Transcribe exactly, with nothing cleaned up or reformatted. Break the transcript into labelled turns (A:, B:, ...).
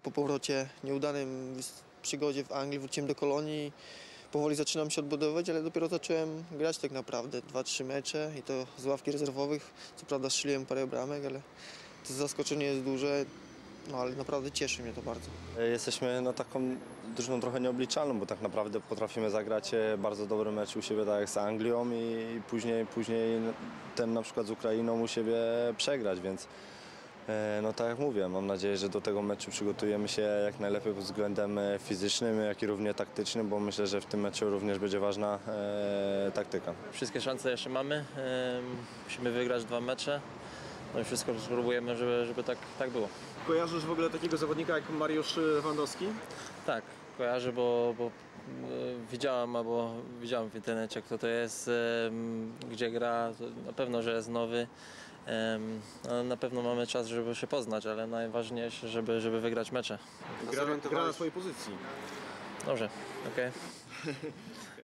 A: Po powrocie, nieudanym przygodzie w Anglii wróciłem do Kolonii. Powoli zaczynam się odbudowywać, ale dopiero zacząłem grać tak naprawdę. Dwa, trzy mecze i to z ławki rezerwowych. Co prawda strzeliłem parę bramek, ale to zaskoczenie jest duże. No ale naprawdę cieszy mnie to bardzo.
B: Jesteśmy no, taką drużyną trochę nieobliczalną, bo tak naprawdę potrafimy zagrać bardzo dobry mecz u siebie tak jak z Anglią i później, później ten na przykład z Ukrainą u siebie przegrać, więc no tak jak mówię, mam nadzieję, że do tego meczu przygotujemy się jak najlepiej pod względem fizycznym, jak i równie taktycznym, bo myślę, że w tym meczu również będzie ważna e, taktyka.
C: Wszystkie szanse jeszcze mamy, e, musimy wygrać dwa mecze, no i wszystko spróbujemy, żeby, żeby tak, tak było.
D: Kojarzysz w ogóle takiego zawodnika jak Mariusz Lewandowski?
C: Tak, kojarzę, bo, bo e, widziałem, albo widziałem w internecie, kto to jest, e, gdzie gra, to na pewno, że jest nowy. No, na pewno mamy czas, żeby się poznać, ale najważniejsze, żeby, żeby wygrać mecze.
D: Gra, gra na swojej pozycji.
C: Dobrze, okej. Okay.